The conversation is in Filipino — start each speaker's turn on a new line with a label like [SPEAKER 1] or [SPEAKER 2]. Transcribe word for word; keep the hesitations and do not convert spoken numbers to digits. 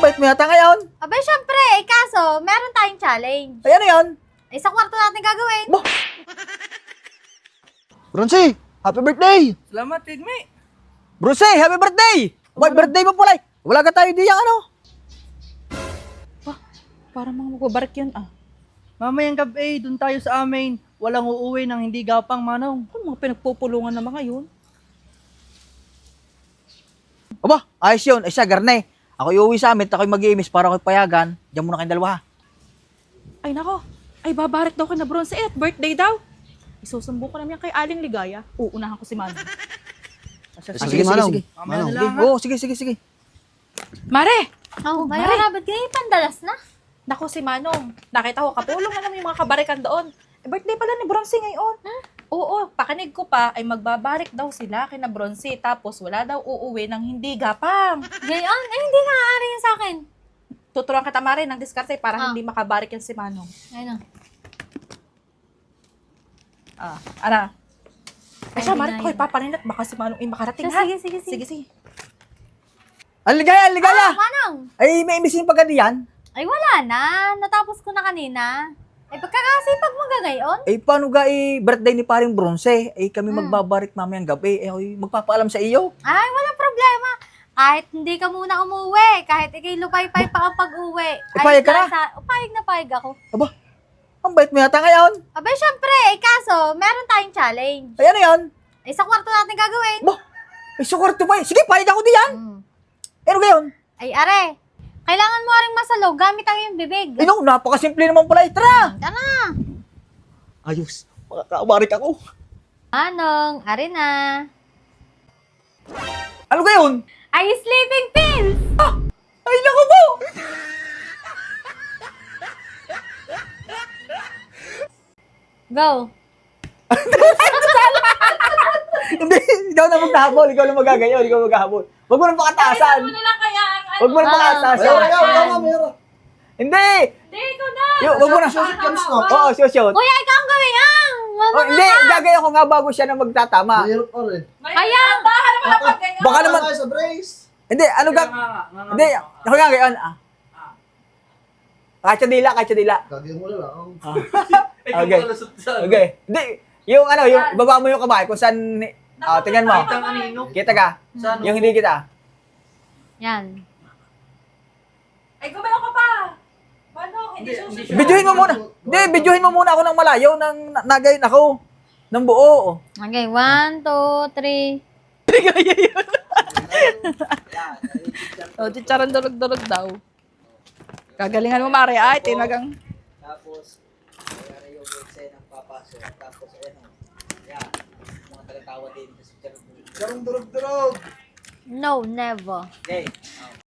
[SPEAKER 1] bait mo yata ngayon.
[SPEAKER 2] Abay, syempre, eh, kaso, meron tayong challenge.
[SPEAKER 1] Ay, ano yun?
[SPEAKER 2] Eh, sa kwarto natin gagawin.
[SPEAKER 1] Bah! Bronzy, happy birthday!
[SPEAKER 3] Salamat, Tidmi.
[SPEAKER 1] Bronzy, happy birthday! May birthday mo pala eh. Wala ka tayo diyang ano.
[SPEAKER 4] Para mga magbabarik yun ah.
[SPEAKER 3] Mamayang gabi, dun tayo sa amin. Walang uuwi ng hindi gapang, Manong.
[SPEAKER 4] Ano mga pinagpupulungan na mga yun?
[SPEAKER 1] Aba, ayos yun. Ay siya, garne. Ako iuwi sa amin, ako'y mag-iimis para ako'y payagan. Diyan muna kayong dalawa.
[SPEAKER 4] Ay nako, ay babarik daw ka na Bronze eh, at birthday daw. Isusumbong ko naman yan kay Aling Ligaya. Uunahan ko si Manong.
[SPEAKER 1] Sige, sige, sige.
[SPEAKER 3] Mamaya na
[SPEAKER 1] Sige,
[SPEAKER 3] lang, ha?
[SPEAKER 1] oo, sige, sige, sige.
[SPEAKER 4] Mare!
[SPEAKER 2] Oh,
[SPEAKER 4] Mare.
[SPEAKER 2] Mayora, ba't ganyan pandalas na?
[SPEAKER 4] Nako si Manong, nakita ko kapulong na naman yung mga kabarikan doon. Eh, birthday pala ni Bronze ngayon. Oo, pakinig ko pa ay magbabarik daw sila kina Bronze tapos wala daw uuwi ng hindi gapang.
[SPEAKER 2] Gayon? Eh, hindi nga aari yun sa akin.
[SPEAKER 4] Tuturuan kita Mare ng diskarte para
[SPEAKER 2] Ah.
[SPEAKER 4] hindi makabarik yan si Manong.
[SPEAKER 2] Ayun na.
[SPEAKER 4] Ah, ara. Ay siya,
[SPEAKER 2] Ay,
[SPEAKER 4] Mare,
[SPEAKER 2] na
[SPEAKER 4] ko
[SPEAKER 2] yun.
[SPEAKER 4] papaninat baka si Manong ay makarating
[SPEAKER 2] Sige,
[SPEAKER 4] ha.
[SPEAKER 2] sige, sige, sige.
[SPEAKER 4] Sige, sige.
[SPEAKER 1] Aligaya, aligaya!
[SPEAKER 2] Ah, Manong!
[SPEAKER 1] Ay, may imisin pa ka diyan.
[SPEAKER 2] Ay, wala na. Natapos ko na kanina. Ay, pagkakasipag mo gagayon?
[SPEAKER 1] Eh, paano ga eh, birthday ni paring Bronze? Eh, kami
[SPEAKER 2] Hmm.
[SPEAKER 1] magbabarik mamayang gabi. Eh, ako'y magpapaalam sa iyo.
[SPEAKER 2] Ay, walang problema. Kahit hindi ka muna umuwi, kahit ikay lupay-pay pa ang pag-uwi.
[SPEAKER 1] Eh, payag ka na?
[SPEAKER 2] nasa- oh, payag na payag ako.
[SPEAKER 1] Aba, ang bait mo yata ngayon.
[SPEAKER 2] Abay, syempre, eh, kaso, meron tayong challenge.
[SPEAKER 1] Ay, ano yun?
[SPEAKER 2] Eh, sa kwarto natin gagawin.
[SPEAKER 1] Bah, ay, sukwarto pa eh. Sige, payag ako diyan.
[SPEAKER 2] Hmm.
[SPEAKER 1] Eh, ano gayon?
[SPEAKER 2] Ay, are, kailangan mo ring masalog gamit ang iyong bibig.
[SPEAKER 1] Eh, no, napakasimple naman pala. Eh, tara!
[SPEAKER 2] Tara!
[SPEAKER 1] Ayos, makakabarik ako.
[SPEAKER 2] Anong, are na.
[SPEAKER 1] Ano gayon?
[SPEAKER 2] Ay, sleeping pills!
[SPEAKER 1] Ay, naku po!
[SPEAKER 2] Go!
[SPEAKER 1] Hindi, ikaw na maghahabol. Ikaw na magagayon. Ikaw maghahabol. Huwag mo nang pakataasan. Huwag mo nang
[SPEAKER 2] Ah.
[SPEAKER 1] pakataasan. Hindi!
[SPEAKER 4] Hindi, ikaw na!
[SPEAKER 1] Yo, huwag mo na. Oo, shoot, shoot.
[SPEAKER 2] Kuya, ikaw ang gawin yan! Wag
[SPEAKER 1] Oh,
[SPEAKER 2] mo
[SPEAKER 1] hindi,
[SPEAKER 2] nga.
[SPEAKER 1] gagayon ko nga bago siya na magtatama.
[SPEAKER 5] Mahirap pa rin.
[SPEAKER 2] Ayan!
[SPEAKER 1] Baka naman,
[SPEAKER 5] Tayo sa brace.
[SPEAKER 1] hindi, ano ga, hindi, ako nga gayon. Ah. Kacha dila, kacha dila.
[SPEAKER 5] Gagawin mo na lang.
[SPEAKER 1] Okay. Okay. Hindi, yung ano, yung baba mo yung kamay kung saan, ah, tingnan mo. Kita ka? Yung hindi kita.
[SPEAKER 2] Yan.
[SPEAKER 4] Ay, gumayo ka pa! Manong, hindi susunod.
[SPEAKER 1] Videohin mo muna. Hindi, videohin mo muna ako ng malayo nang na- nagayon ako. Ng buo.
[SPEAKER 2] Okay, one, two, three.
[SPEAKER 4] O, chicharon durog-durog daw. Gagalingan mo, Mare. Ay, tinagang.
[SPEAKER 6] Tapos, kaya yung website ng papasok. Tapos, ayan o. Yan. Mga talatawa din.
[SPEAKER 5] Karong durog-durog.
[SPEAKER 2] No, never.
[SPEAKER 6] Okay.